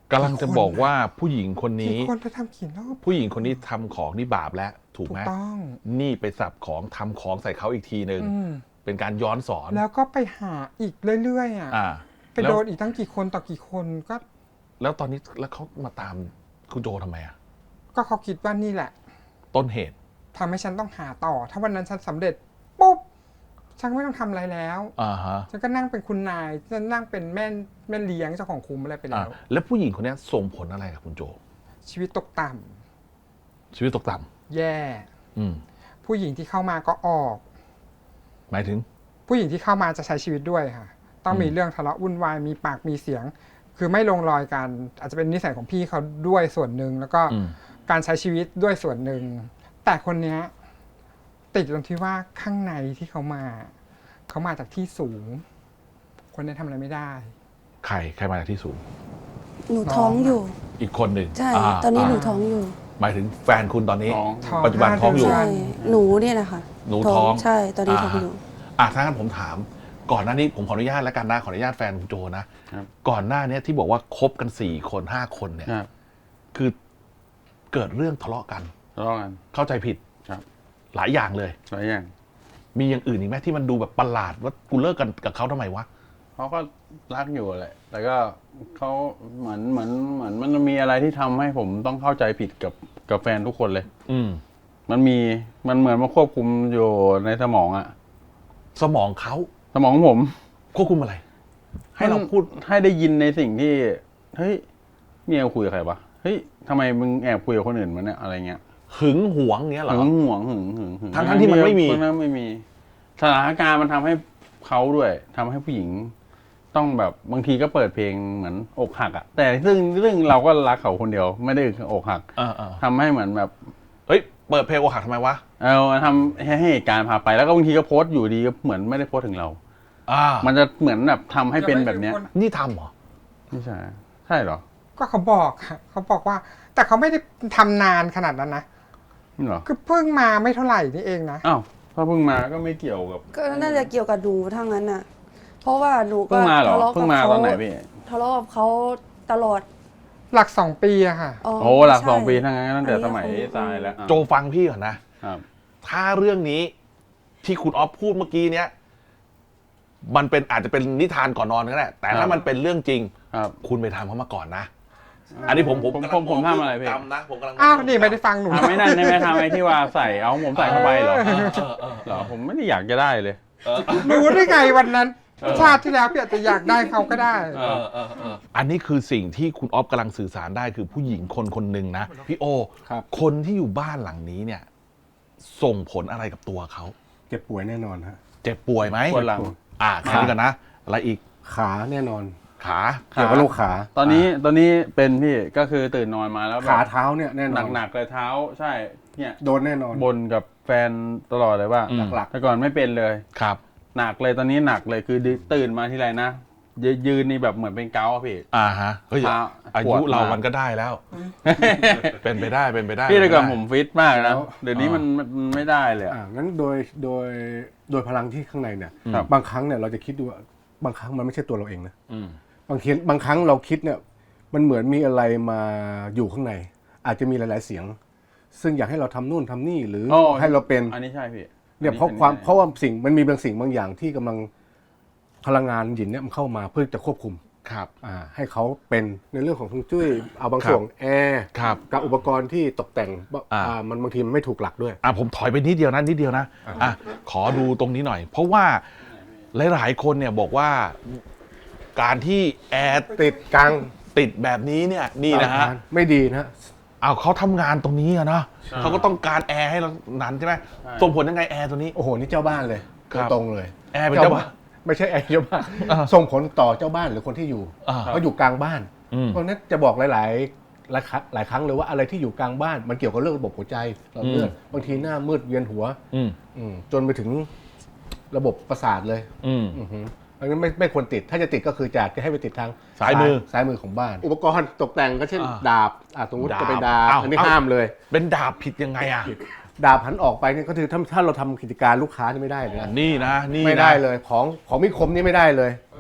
[SPEAKER 2] กำลังจะบอกว่าผู้หญิงคนนี้
[SPEAKER 3] กี่คนไปทำกี่รอบ
[SPEAKER 2] ผู้หญิงคนนี้ทำของนี่บาปแล้วถูก
[SPEAKER 3] ถู
[SPEAKER 2] ไหม
[SPEAKER 3] กต้อง
[SPEAKER 2] นี่ไปสับของทำของใส่เขาอีกทีหนึ่ง
[SPEAKER 3] อืม
[SPEAKER 2] เป็นการย้อนสอน
[SPEAKER 3] แล้วก็ไปหาอีกเรื่อยๆอ่ะ
[SPEAKER 2] อ่า
[SPEAKER 3] ไปโดนอีกตั้งกี่คนต่อกี่คนก็
[SPEAKER 2] แล้วตอนนี้แล้วเขามาตามคุณโจทำไมอ่ะ
[SPEAKER 3] ก็เขาคิดว่านี่แหละ
[SPEAKER 2] ต้นเหตุ
[SPEAKER 3] ทำให้ฉันต้องหาต่อ ถ้าวันนั้นฉันสำเร็จปุ๊บฉันไม่ต้องทำอะไรแล้ว
[SPEAKER 2] อ่าฮะ
[SPEAKER 3] ฉันก็นั่งเป็นคุณนายฉันนั่งเป็นแม่เลี้ยงเจ้าของคุมอะไรไป
[SPEAKER 2] อ่า
[SPEAKER 3] แล้ว
[SPEAKER 2] แล้วผู้หญิงคนนี้ส่งผลอะไรกับคุณโจ
[SPEAKER 3] ชีวิตตกต่ำ
[SPEAKER 2] ชีวิตตกต่
[SPEAKER 3] แย่
[SPEAKER 2] ำอืม
[SPEAKER 3] ผู้หญิงที่เข้ามาก็ออก
[SPEAKER 2] หมายถึง
[SPEAKER 3] ผู้หญิงที่เข้ามาจะใช้ชีวิตด้วยค่ะ ต้องมีเรื่องทะเลาะวุ่นวายมีปากมีเสียง คือไม่ลงรอยกัน อาจจะเป็นนิสัยของพี่เขาด้วยส่วนหนึ่งแล้วก็
[SPEAKER 2] อืม
[SPEAKER 3] การใช้ชีวิตด้วยส่วนหนึ่งแต่คนเนี้ยติดตรงที่ว่าข้างในที่เขามาจากที่สูง คนนี้ทำอะไรไม่ได้
[SPEAKER 2] ใครมาจากที่สูง
[SPEAKER 7] หนูท้องอยู่
[SPEAKER 2] อีกคนหนึ่ง
[SPEAKER 7] ใช่
[SPEAKER 2] า
[SPEAKER 7] ตอนนี้หนูท้องอยู่
[SPEAKER 2] หมายถึงแฟนคุณตอนนี้
[SPEAKER 5] ท้อง
[SPEAKER 3] ท้อง
[SPEAKER 2] ปัจจุบันท้องอยู่
[SPEAKER 3] 5
[SPEAKER 7] ใช่
[SPEAKER 3] เดือน
[SPEAKER 7] หนูเนี่ยนะคะ
[SPEAKER 2] หนูท้อง
[SPEAKER 7] ใช่ตอนนี้ท้องอยู่
[SPEAKER 2] ถ้างั้นผมถาม ก่อนหน้านี้ผมขออนุญาตแล้วกันนะขออนุญาตแฟนคุณโจนะครับ ก่อนหน้านี้ที่บอกว่าคบกัน4 คน5 คนเนี่ย
[SPEAKER 5] ครับ
[SPEAKER 2] คือเกิดเรื่องทะเลาะกัน
[SPEAKER 5] ทะเลาะกัน
[SPEAKER 2] เข้าใจผิด
[SPEAKER 5] ครับ
[SPEAKER 2] หลายอย่างเลย
[SPEAKER 5] หลายอย่าง
[SPEAKER 2] มีอย่างอื่นอีกไหมที่มันดูแบบประหลาดว่ากูเลิกกันกับเขาทำไมวะ
[SPEAKER 5] เขาก็รักอยู่แหละ แต่ก็เขาเหมือนมันมีอะไรที่ทำให้ผมต้องเข้าใจผิดกับแฟนทุกคนเลย
[SPEAKER 2] อืม
[SPEAKER 5] มันเหมือนมาควบคุมอยู่ในสมองอะ
[SPEAKER 2] สมองเขา
[SPEAKER 5] สมองของผม
[SPEAKER 2] ควบคุมอะไร ให้เราพูด
[SPEAKER 5] ให้ได้ยินในสิ่งที่เฮ้ยเมียคุยกับใครวะเฮ้ยทำไมมึงแอบคุยกับคนอื่นมันเนี่ยอะไรเงี้ย
[SPEAKER 2] หึงหวงเนี้ยเหรอ
[SPEAKER 5] หึงหวงหึง
[SPEAKER 2] ทั้งๆที่มันไม่มี
[SPEAKER 5] ทั้งๆไม่มีสถานการณ์มันทำให้เขาด้วยทำให้ผู้หญิง ต้องแบบบางทีก็เปิดเพลงเหมือนอกหักอะแต่ซึ่งเราก็รักเขาคนเดียวไม่ได้อกหัก ทำให้เหมือนแบบ
[SPEAKER 2] เฮ้ย เปิดเพลงอกหักทำไมวะ
[SPEAKER 5] ทำให้เหตุการณ์พาไปแล้วก็บางทีก็โพสต์อยู่ดีก็เหมือนไม่ได้โพสต์ถึงเรา มันจะเหมือนแบบทำให้เป็นแบบเนี้ย
[SPEAKER 2] นี่ทำเหรอ
[SPEAKER 5] ไม่ใช่ใช่เหรอ
[SPEAKER 3] ก็เขาบอกค่ะเขาบอกว่า แต่เขาไม่ได้ทำนานขนาดนั้นนะ
[SPEAKER 5] นี่เหรอ
[SPEAKER 3] คือเพิ่งมาไม่เท่าไหร่นี่เองนะ
[SPEAKER 5] อ้าวถ้าเพิ่งมาก็ไม่เกี่ยวกับ
[SPEAKER 7] ก็น่าจะเกี่ยวกับหนูทั้งนั้นน่ะ เพราะว่าหนูก็
[SPEAKER 5] เพิ่งมาเหรอ
[SPEAKER 7] ทะเลาะ
[SPEAKER 5] เพิ่
[SPEAKER 7] กับ
[SPEAKER 5] งมา
[SPEAKER 7] เขา
[SPEAKER 5] ตอนไหนพี่
[SPEAKER 7] ทะเลาะกับเขาตลอด
[SPEAKER 3] หลัก2 ปีอะค่ะ
[SPEAKER 5] โอ้หลัก
[SPEAKER 7] ใช่
[SPEAKER 5] 2 ปีทั้งนั้นตั้งแต่
[SPEAKER 7] อันนี้
[SPEAKER 5] สมัย
[SPEAKER 7] ก็คง
[SPEAKER 5] ทรายแล้ว
[SPEAKER 2] โจฟังพี่ก่อนนะ
[SPEAKER 5] ครับ
[SPEAKER 2] ถ้าเรื่องนี้ที่คุณออฟพูดเมื่อกี้เนี้ยมันเป็นอาจจะเป็นนิทานก่อนนอนก็ได้แต่ถ้ามันเป็นเรื่องจริง
[SPEAKER 5] ครับ
[SPEAKER 2] คุณไปทำเขามาก่อนนะ อันนี้ผมกำลัง
[SPEAKER 5] ผมทำอะไรพี่
[SPEAKER 2] จำนะผมกำลัง
[SPEAKER 3] อ้าวนี่ไม่ได้ฟังหนู
[SPEAKER 5] ทำไม่นั่นได้ไหมทำไอ้ที่ว่าใส่เอาผมใส่เข้าไปเหรอ
[SPEAKER 2] เออ
[SPEAKER 5] เหรอผมไม่ได้อยากจะได้เลย
[SPEAKER 3] รู้ได้ไงวันนั้น ชาติที่แล้วพี่อาจจะอยากได้เขาก็ได้
[SPEAKER 2] อันนี้คือสิ่งที่คุณออฟกำลังสื่อสารได้คือผู้หญิงคนหนึ่งนะพี่โอ
[SPEAKER 4] ครับ
[SPEAKER 2] คนที่อยู่บ้านหลังนี้เนี่ย ส่งผลอะไรกับตัวเขา
[SPEAKER 4] เจ็บป่วยแน่นอนฮะ
[SPEAKER 2] เจ็บป่วยไหม
[SPEAKER 5] ปวดหลัง
[SPEAKER 2] แค่นี้กันนะ อะไรอีก
[SPEAKER 4] ขาแน่นอน
[SPEAKER 2] ขา
[SPEAKER 4] เกี่ยวกับโรคขา
[SPEAKER 5] ตอนนี้เป็นพี่ก็คือตื่นนอนมาแล้วแบบ
[SPEAKER 4] ขาเท้าเนี่ยแน่นอน
[SPEAKER 5] หนักๆเลยเท้า ใช่เนี่ย
[SPEAKER 4] โดนแน่นอน
[SPEAKER 5] บนกับแฟนตลอดเลยว่า
[SPEAKER 4] หลัก
[SPEAKER 5] แต่ก่อนไม่เป็นเลย
[SPEAKER 2] ครับ
[SPEAKER 5] หนักเลยตอนนี้หนักเลยคือตื่นมาทีไรนะยืนนี่แบบเหมือนเป็นเกาต์อะพี่
[SPEAKER 2] ฮะเฮ้ย
[SPEAKER 5] ขา
[SPEAKER 2] อา
[SPEAKER 5] ปว
[SPEAKER 2] ยุ
[SPEAKER 5] ด
[SPEAKER 2] เรา
[SPEAKER 5] มาก
[SPEAKER 2] มันก็ได้แล้ว เป็นไปได้
[SPEAKER 5] พี่แต่ก่อน
[SPEAKER 2] เป็
[SPEAKER 5] ผ
[SPEAKER 2] ไป
[SPEAKER 5] ม
[SPEAKER 2] ได้
[SPEAKER 5] ฟิตมาก
[SPEAKER 4] แล้
[SPEAKER 5] นะ
[SPEAKER 4] ว
[SPEAKER 5] เดี๋ยวนี้มันไม่ได้เลยอะ
[SPEAKER 4] งั้นโดยพลังที่ข้างในเนี่ย
[SPEAKER 5] ครับ
[SPEAKER 4] บางครั้งเนี่ยเราจะคิดดูว่าบางครั้งมันไม่ใช่ตัวเราเองนะ
[SPEAKER 2] อืม
[SPEAKER 4] บางครั้งเราคิดเนี่ยมันเหมือนมีอะไรมาอยู่ข้างใน อาจจะมีหลาย ๆเสียง ซึ่งอยากให้เราทำนู่นทำนี่หรืออให้เราเป็น
[SPEAKER 5] อันนี้ใช่พี่
[SPEAKER 4] เนี่ยเพราะ
[SPEAKER 5] อันนี้
[SPEAKER 4] ความ
[SPEAKER 5] ใช่
[SPEAKER 4] เพราะว่ามันมีบางสิ่งบางอย่างที่กำลังพลังงานหยินเนี่ยมันเข้ามาเพื่อจะควบคุม
[SPEAKER 2] ครับ
[SPEAKER 4] ให้เขาเป็นในเรื่องของฮวงจุ้ยเอาบาง
[SPEAKER 2] ครับ
[SPEAKER 4] ส่วนแอร์
[SPEAKER 2] ครับ
[SPEAKER 4] กับอุปกรณ์ที่ตกแต่ง
[SPEAKER 2] อ่า
[SPEAKER 4] มันบางทีมันไม่ถูกหลักด้วย
[SPEAKER 2] ผมถอยไปนิดเดียวนะขอดูตรงนี้หน่อย เพราะว่าหลายๆคนเนี่ยบอกว่าการที่แอร์
[SPEAKER 4] ติดกลาง
[SPEAKER 2] ติดแบบนี้เนี่ยนี่นะฮะ
[SPEAKER 4] ไม่ดีนะ
[SPEAKER 2] เขาทำงานตรงนี้อะเนาะเขาก็ต้องการแอร์ให้เรานั้นใช่ไหมส่งผลยังไงแอร์ตัวนี้
[SPEAKER 4] โอ้โหนี่เจ้าบ้านเลย
[SPEAKER 2] ครับ
[SPEAKER 4] ตรงๆเลย
[SPEAKER 2] แอร์เป็นเจ้าบ้าน
[SPEAKER 4] ไม่ใช่แอร์เจ้าบ้าน
[SPEAKER 2] อ่า
[SPEAKER 4] ส่งผลต่อเจ้าบ้านหรือคนที่อยู่
[SPEAKER 2] อ่า
[SPEAKER 4] เขาอยู่กลางบ้าน
[SPEAKER 2] อืม
[SPEAKER 4] เพราะฉะนั้นจะบอกหลายครั้งเลยว่าอะไรที่อยู่กลางบ้าน มันเกี่ยวกับเรื่องระบบหัวใจหลอดเลือดบางทีหน้ามืดเวียนหัว จนไปถึงระบบประสาทเลย อือหือเพราะฉะนั้นไม่ควรติด ถ้าจะติดก็คือจะให้ไปติดทาง
[SPEAKER 2] ซ้ายมือ
[SPEAKER 4] ของบ้าน อุปกรณ์ตกแต่งก็เช่น ดาบสมมติ
[SPEAKER 2] ดาบ
[SPEAKER 4] จะเป็นดาบ
[SPEAKER 2] อ้าว
[SPEAKER 4] อันนี้ห้ามเลย
[SPEAKER 2] เป็นดาบผิดยังไงอ่ะ
[SPEAKER 4] ดาบหันออกไปเนี่ยก็คือถ้าเราทำกิจการลูกค้านี่ไม่ได้เลยนะ
[SPEAKER 2] นี่นะ
[SPEAKER 4] ไม่ได้เลยของมีคมนี่ไม่ได้เลย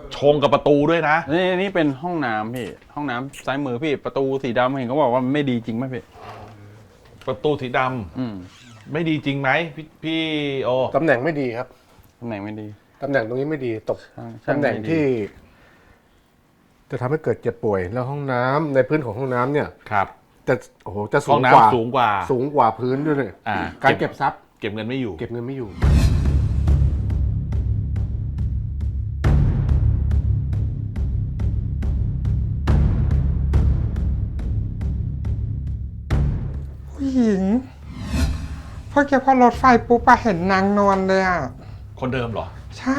[SPEAKER 2] ชงกับประตูด้วยนะ
[SPEAKER 5] นี่เป็นห้องน้ำพี่ ห้องน้ำซ้ายมือพี่ประตูสีดำเห็นเขาบอกว่ามันไม่ดีจริงไหมพี่
[SPEAKER 2] ประตูสีด
[SPEAKER 5] อืม
[SPEAKER 2] ำไม่ดีจริงไหมพี่โอ
[SPEAKER 4] ตำแหน่งไม่ดีครับ
[SPEAKER 5] ตำแหน่งไม่ดี
[SPEAKER 4] ตำแหน่งตรงนี้ไม่ดีตก
[SPEAKER 5] ช่าง
[SPEAKER 4] ตำแหน่ง
[SPEAKER 5] ไม่ดี
[SPEAKER 4] ที่ จะทำให้เกิดเจ็บป่วยแล้วห้องน้ำในพื้นของห้องน้ำเนี่ย
[SPEAKER 2] ครับ
[SPEAKER 4] จะโอ้โหจะสู
[SPEAKER 2] ห้อง
[SPEAKER 4] งกว่า
[SPEAKER 2] น้ำสูงกว่า
[SPEAKER 4] สูงกว่าพื้นด้วยเลย
[SPEAKER 2] อ่า
[SPEAKER 4] การเก็บทรัพย์
[SPEAKER 2] เก็บเงินไม่อยู่
[SPEAKER 4] เก็บเงินไม่อยู่
[SPEAKER 3] ผู้หญิงพอแกพอรถไฟปุ๊บอะเห็นนางนอนเลยอะ
[SPEAKER 2] คนเดิมเหรอ
[SPEAKER 3] ใช่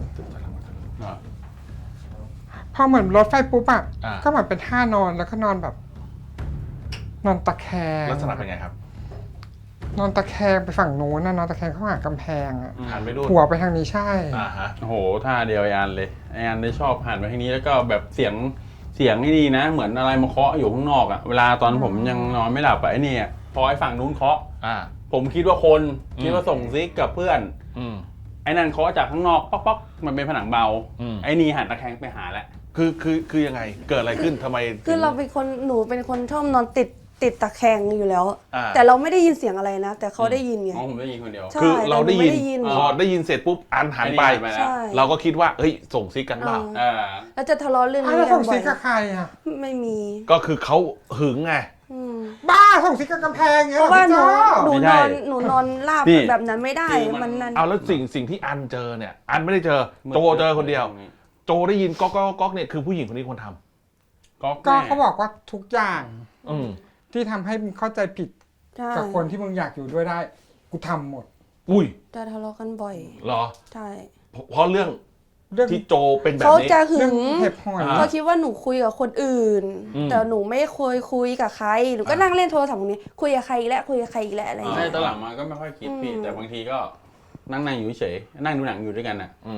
[SPEAKER 3] พอเหมือนรถไฟปุ๊บอะ
[SPEAKER 2] อ่า
[SPEAKER 3] ก็เหมือนเป็นท่านอนแล้วก็นอนแบบ นอนตะแคง
[SPEAKER 2] ลักษณะเป็นไงครับ
[SPEAKER 3] นอนตะแคงไปฝั่งโน้นนะนอนตะแคงเข้าหากำแพงอะ
[SPEAKER 2] หันไปดูน
[SPEAKER 3] หัวไปทางนี้ใช่
[SPEAKER 2] อ่าฮะ
[SPEAKER 5] โอ้โหท่าเดียวไออันเลยไออันได้ชอบหันไปทางนี้แล้วก็แบบเสียงนี่ดีนะ เหมือนอะไรมาเคาะอยู่ข้างนอกอะเวลาตอนผมยังนอนไม่หลับอะไอเนี่ยพอไอฝั่งนู้นเคาะ
[SPEAKER 2] อ่า
[SPEAKER 5] ผมคิดว่าคนคิดว่าส่งซิกกับเพื่อน
[SPEAKER 2] อืม
[SPEAKER 5] ไอ้นั่นเคาะจากข้างนอกป๊อกป๊อกมันเป็นผนังเบา
[SPEAKER 2] อืม
[SPEAKER 5] ไอ้นี่หันตะแคงไปหาแล้ว
[SPEAKER 2] คือยังไง เกิดอะไรขึ้นทำไม
[SPEAKER 7] คือเราเป็นคนหนูเป็นคนชอบนอนติดตะแคงอยู่แล้ว
[SPEAKER 2] อ่า
[SPEAKER 7] แต่เราไม่ได้ยินเสียงอะไรนะ แต่เขาได้ยินไง
[SPEAKER 5] อ๋อผมได้ยินคนเดียว
[SPEAKER 7] ใช่
[SPEAKER 2] คือเราได้ยิน
[SPEAKER 7] แต่หนูไม่ได้ยิน
[SPEAKER 2] พอได้ยินเสร็จปุ๊บอันหันไป
[SPEAKER 5] ไอ้นี่หันไปแล้ว
[SPEAKER 7] ใช่
[SPEAKER 2] เราก็คิดว่าเฮ้ยส่งซิกกันเปล่า
[SPEAKER 7] อ่า
[SPEAKER 5] อ่า
[SPEAKER 7] แล้วจะทะเลาะเรื่อง
[SPEAKER 3] อ้าว
[SPEAKER 7] นี้
[SPEAKER 3] แล้ว
[SPEAKER 7] กั
[SPEAKER 3] ส่
[SPEAKER 7] น
[SPEAKER 3] ง
[SPEAKER 7] บ่อ
[SPEAKER 3] ซิ
[SPEAKER 7] ย
[SPEAKER 3] กกับใครอะ
[SPEAKER 7] ไม่มี
[SPEAKER 2] ก็คือเขาหึงไง
[SPEAKER 7] อืม
[SPEAKER 3] บ้าส่งซิกกับกำแพงเงี้ย
[SPEAKER 7] เพราะว่าหนู
[SPEAKER 3] พี่โจ้
[SPEAKER 7] หนูนอนราบ
[SPEAKER 5] นี่
[SPEAKER 7] แบบนั้นไม่ได้
[SPEAKER 5] คือมัน
[SPEAKER 7] มันนั่น
[SPEAKER 2] เอาแล้วสิ่งที่อันเจอเนี่ย อันไม่ได้เจอโจเจอคนเดียว โจได้ยินก๊อกก๊อกก๊อกเนี่ยคือผู้หญิงคนนี้คนทำ
[SPEAKER 5] ก็
[SPEAKER 3] ก็เขาบอกว่าทุกอย่าง
[SPEAKER 2] อืม
[SPEAKER 3] ที่ทำให้มึงเข้าใจผิด
[SPEAKER 7] ใช่
[SPEAKER 3] กับคนที่มึงอยากอยู่ด้วยได้ กูทำหมด
[SPEAKER 2] อุ้ย
[SPEAKER 7] จะทะเลาะกันบ่อย
[SPEAKER 2] เหรอ
[SPEAKER 7] ใช่
[SPEAKER 2] เพราะเรื่อง
[SPEAKER 3] เรื่อง
[SPEAKER 2] ที่โจเป็นแบบ
[SPEAKER 7] เขา
[SPEAKER 2] นี้
[SPEAKER 7] จะหึ
[SPEAKER 3] เรื่อง
[SPEAKER 7] ง
[SPEAKER 3] เห็บหอย
[SPEAKER 2] อ่า
[SPEAKER 7] เขาคิดว่าหนูคุยกับคนอื่น
[SPEAKER 2] อืม
[SPEAKER 7] แต่หนูไม่เคยคุยกับใครหนูก็นั่งเล่นโทรศัพท์ตรงนี้คุยกับใครอีกแล้วคุยกับใครอีกแล้วอะไรอย่าง
[SPEAKER 5] ใช่
[SPEAKER 7] เงี้ย
[SPEAKER 5] ตอนหลังมาก็ไม่ค่อยคิดพี่
[SPEAKER 7] อืม
[SPEAKER 5] แต่บางทีก็นั่งอยู่เฉยนั่งดูหนังอยู่ด้วยกันอ่ะ
[SPEAKER 2] อืม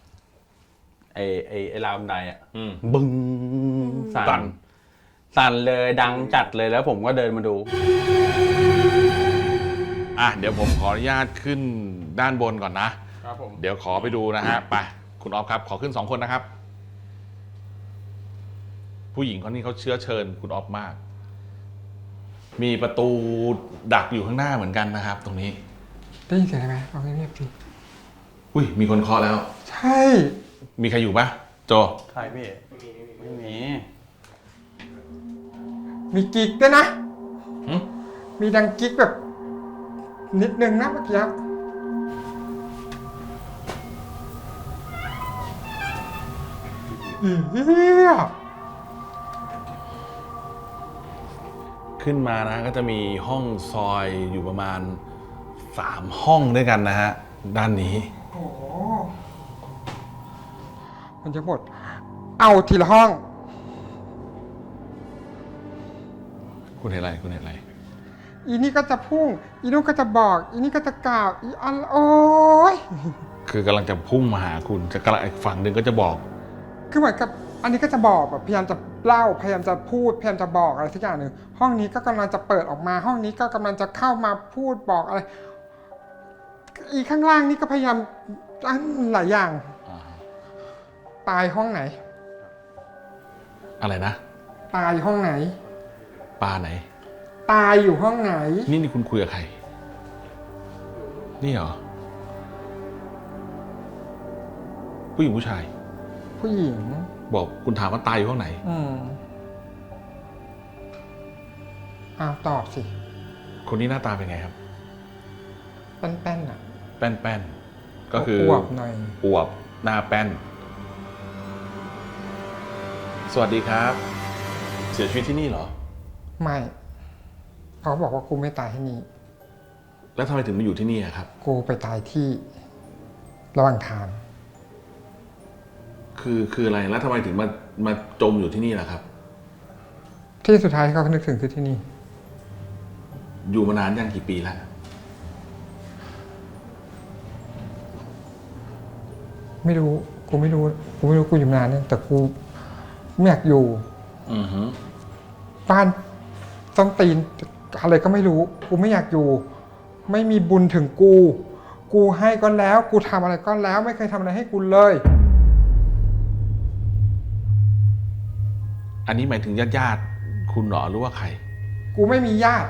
[SPEAKER 5] ไอ้ราวบันไดอ่ะ
[SPEAKER 2] อืม
[SPEAKER 5] บึ้ง
[SPEAKER 2] สั่
[SPEAKER 5] สั่
[SPEAKER 2] น
[SPEAKER 5] นสั่นเลยดังจัดเลยแล้วผมก็เดินมาดู
[SPEAKER 2] อ่ะเดี๋ยวผมขออนุญาตขึ้นด้านบนก่อนนะ
[SPEAKER 5] ครับผม
[SPEAKER 2] เดี๋ยวขอไปดูนะฮะ ไป คุณออฟครับ ขอขึ้น 2 คนนะครับ ผู้หญิงคนนี้เขาเชื้อเชิญคุณออฟมาก มีประตูดักอยู่ข้างหน้าเหมือนกันนะครับ ตรงนี้
[SPEAKER 3] ได้ยินเสียงอะไรไหมเอาเงียบๆสิ
[SPEAKER 2] อุ้ย มีคนเคาะแล้ว
[SPEAKER 3] ใช่
[SPEAKER 2] มีใครอยู่ปะโจ
[SPEAKER 5] ใช่พี่ไม่มี
[SPEAKER 3] มีกิ๊กด้วยนะ
[SPEAKER 2] หึ
[SPEAKER 3] มีดังกิ๊กแบบ นิดนึงนะเมื่อกี้เฮีย
[SPEAKER 2] ขึ้นมานะก็จะมีห้องซอยอยู่ประมาณ 3 ห้องด้วยกันนะฮะ ด้านนี้
[SPEAKER 3] โอ้โหมันจะหมด เอาทีละห้อง
[SPEAKER 2] คุณเห็นอะไร คุณเห็นอะไร
[SPEAKER 3] อีนี่ก็จะพุ่ง อีนู่นก็จะบอก อีนี่ก็จะกล่าว อีอันโอ้ย
[SPEAKER 2] คือกำลังจะพุ่งมาหาคุณ จะกำลังอีกฝั่งหนึ่งก็จะบอก
[SPEAKER 3] คือเหมือนกับอันนี้ก็จะบอกแบบพยายามจะเล่าพยายามจะพูดพยายามจะบอกอะไรสักอย่างหนึ่งห้องนี้ก็กำลังจะเปิดออกมา ห้องนี้ก็กำลังจะเข้ามาพูดบอกอะไร อีข้างล่างนี่ก็พยายามอันหลายอย่าง ตายห้องไหน
[SPEAKER 2] อะไรนะ
[SPEAKER 3] ตายห้องไหน
[SPEAKER 2] ปลาไหน
[SPEAKER 3] ตายอยู่ห้องไหน
[SPEAKER 2] นี่คุณคุยกับใคร นี่เหรอ ผู้หญิงผู้ชาย
[SPEAKER 3] ผู้หญิง
[SPEAKER 2] บอกคุณถามว่าตายอยู่ห้องไหน
[SPEAKER 3] อ้าวตอบสิ
[SPEAKER 2] คนนี้หน้าตาเป็นไงครับ
[SPEAKER 3] แป้นๆอ่ะ
[SPEAKER 2] แป้นๆ ก็คือ
[SPEAKER 3] อวบหน่อย
[SPEAKER 2] อวบหน้าแป้น สวัสดีครับ เสียชีวิตที่นี่เหรอ
[SPEAKER 3] ไม่เขาบอกว่ากูไม่ตายที่นี่
[SPEAKER 2] แล้วทำไมถึงมาอยู่ที่นี่อะครับ
[SPEAKER 3] กูไปตายที่ระหว่างทาง
[SPEAKER 2] คืออะไร แล้วทำไมถึงมาจมอยู่ที่นี่ล่ะครับ
[SPEAKER 3] ที่สุดท้ายที่เขานึกถึงคือที่นี่
[SPEAKER 2] อยู่มานานยังกี่ปีแล้ว
[SPEAKER 3] ไม่รู้ กูไม่รู้ กูไม่รู้กูอยู่นานเนี่ยแต่กูไม่อยากอยู่
[SPEAKER 2] อือฮึ
[SPEAKER 3] บ้านต้องตีนอะไรก็ไม่รู้ กูไม่อยากอยู่ ไม่มีบุญถึงกู กูให้ก็แล้ว กูทำอะไรก็แล้ว ไม่เคยทำอะไรให้กูเลย
[SPEAKER 2] อันนี้หมายถึงญาติคุณเหรอหรือว่าใคร
[SPEAKER 3] กูไม่มีญาติ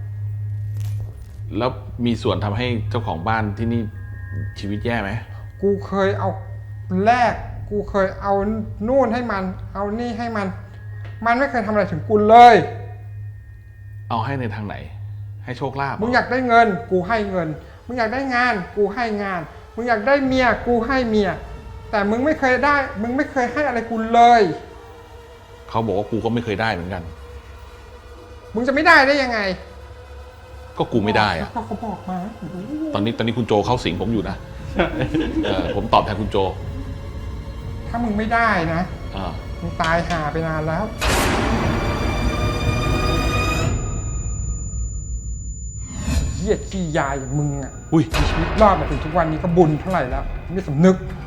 [SPEAKER 2] แล้วมีส่วนทำให้เจ้าของบ้านที่นี่ชีวิตแย่ไหม
[SPEAKER 3] กูเคยเอาแลกกูเคยเอานู่นให้มัน เอานี่ให้มัน มันไม่เคยทำอะไรถึงกูเลย
[SPEAKER 2] เอาให้ในทางไหน ให้โชคลาภเหร
[SPEAKER 3] มึงอยากได้เงิน กูให้เงิน มึงอยากได้งาน กูให้งาน มึงอยากได้เมีย กูให้เมีย แต่มึงไม่เคยได้ มึงไม่เคยให้อะไรกูเลย
[SPEAKER 2] เขาบอกว่ากูก็ไม่เคยได้เหมือนกัน
[SPEAKER 3] มึงจะไม่ได้ได้ยังไง
[SPEAKER 2] ก็กูไม่ได้อะ
[SPEAKER 3] ก็เขาบอกมา
[SPEAKER 2] ตอนนี้คุณโจเข้าสิงผมอยู่นะผมตอบแทนคุณโจ
[SPEAKER 3] ถ้ามึงไม่ได้นะ
[SPEAKER 2] อ่า
[SPEAKER 3] มึงตายห่าไปนานแล้ว เหี้ยขี้ยายอย่างมึงอ่ะ
[SPEAKER 2] อุ้ย
[SPEAKER 3] มีชีวิตรอดมาถึงทุกวันนี้ก็บุญเท่าไหร่แล้ว ไม่สำนึก